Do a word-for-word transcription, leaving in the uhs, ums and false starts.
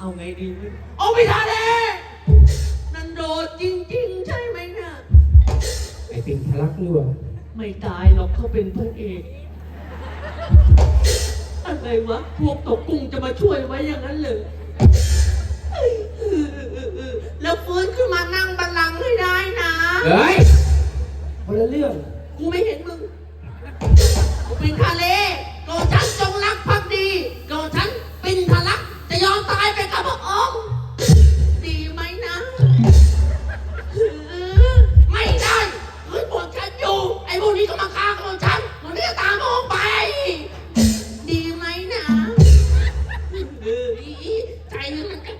เอาไงดีวะเอาไปทะเลนันโดดจริงๆใช่ไหมเนี่ยไอ้ปิงทะลักหรือเปล่าไม่ตายหรอกเขาเป็นพระเอกอะไรวะพวกตกกุ้งจะมาช่วยไว้อย่างนั้นเลยแล้วฟื้นขึ้นมานั่งบัลลังก์ให้ได้นะเฮ้ยคนละเรื่องกูไม่เห็นมึงกูเป็นทะเลโกฉันจงรักภักดีโกฉันเป็นทะลักจะยอมตายไปกับพระองค์ดีไหมนะไม่ได้เฮ้ยพวกฉันอยู่ไอ้พวกนี้ก็มาฆ่าพวกฉันพวกนี้ตามพวกไป ดีไหมนะเออใจมันกระ